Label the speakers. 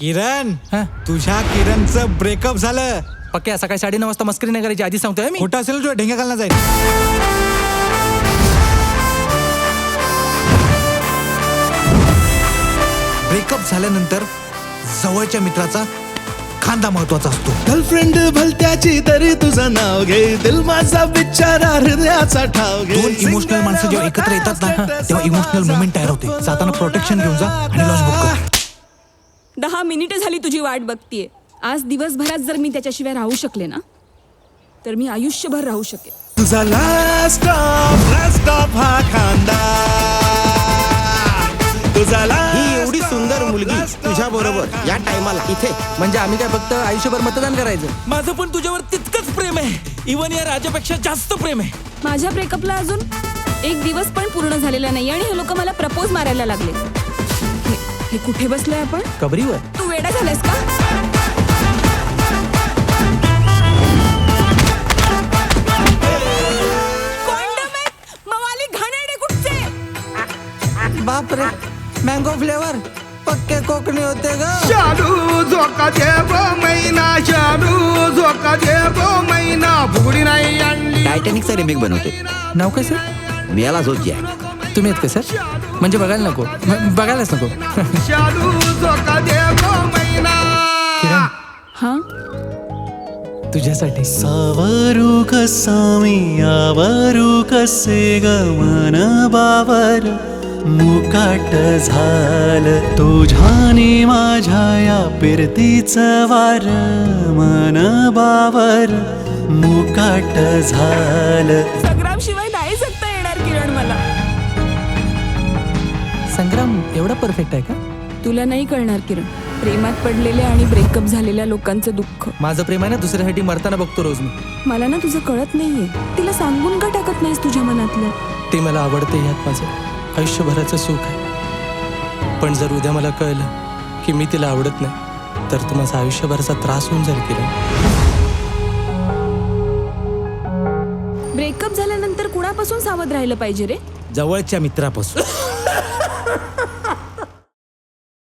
Speaker 1: किरण,
Speaker 2: हा?
Speaker 1: तुझ्या किरणचं ब्रेकअप झालं.
Speaker 2: पक्क्या सकाळी 9:30 वाजता मस्करी नाही करायची, आधी सांगतोय मी.
Speaker 1: खोटं असेल तुझ्या ढेंग्या घालणार जाईल. ब्रेकअप झाल्यानंतर जवळच्या मित्राचा खांदा महत्वाचा असतो.
Speaker 3: गर्लफ्रेंड भलत्याची तरी तुझं नाव घे, दिल माझा बिचारा हृदयाचा ठाव घे.
Speaker 1: दोन इमोशनल माणसं जेव्हा एकत्र येतात ना, तेव्हा इमोशनल मोमेंट तयार होते. जाताना प्रोटेक्शन घेऊन जा आणि लॉज बुक कर.
Speaker 4: 10 मिनिटं झाली तुझी वाट बघतीये. आज दिवसभरात जर मी त्याच्याशिवाय राहू शकले ना, तर मी आयुष्यभर राहू शकेन.
Speaker 3: तुझा लास्ट स्टॉप हा खांदा, तुझा
Speaker 5: ही एवढी सुंदर मुलगी तुझ्या बरोबर या टायमाला इथे.
Speaker 2: म्हणजे आम्ही काय फक्त आयुष्यभर मतदान करायचं?
Speaker 6: माझं पण तुझ्यावर तितकंच प्रेम आहे. इवन या राजापेक्षा जास्त प्रेम आहे.
Speaker 4: माझ्या ब्रेकअपला अजून 1 दिवस पण पूर्ण झालेला नाही आणि हे लोक मला प्रपोज मारायला लागले. हे कुठे बसलोय आपण?
Speaker 2: कबरीवर.
Speaker 4: तू वेडा झालास का? Condom आहेत, मवाली घाणेरडे कुठचे?
Speaker 2: बापरे, मँगो फ्लेवर. पक्के कोकणी होते ग.
Speaker 7: शालू झोका दे गो मैना, शालू झोका दे गो मैना, फुगडी नाही आणली.
Speaker 5: टायटॅनिकचा रिमेक बनवते.
Speaker 2: नाव काय सर?
Speaker 5: मियाला झोप आहे.
Speaker 2: तुम्ही आहेत का सर? म्हणजे बघायला नको, बघायलाच नको.
Speaker 7: शालू झोका दे गो मैना.
Speaker 2: किरण,
Speaker 4: हा,
Speaker 2: तुझ्यासाठी.
Speaker 3: सावरू कसामी यावरू कसे गमन बावर, मुकाट झाल तुझ्याने माझ्या या पिरतीचं वार, मन बावर मुकाट झाल.
Speaker 4: संग्राम शिवाय नाही जगता येणार किरण मला.
Speaker 2: संग्राम एवढा परफेक्ट आहे का?
Speaker 4: तुला नाही कळणार किरण, प्रेमात पडलेल्या आणि ब्रेकअप झालेल्या लोकांचं दुःख.
Speaker 2: माझं प्रेम आहे ना, दुसऱ्यासाठी मरताना बघतो रोज मी.
Speaker 4: मला ना तुझं कळत नाहीये. तिला सांगून का टाकत नाहीस तुझ्या मनातलं?
Speaker 2: ते मला आवडते, ह्यात माझं आयुष्यभराचं सुख आहे. पण जर उद्या मला कळलं की मी तिला आवडत नाही, तर तो माझा आयुष्यभराचा त्रास होऊन जाईल किरण.
Speaker 4: ब्रेकअप झाल्यानंतर कुणापासून सावध राहिलं पाहिजे रे?
Speaker 1: जवळच्या मित्रापासून.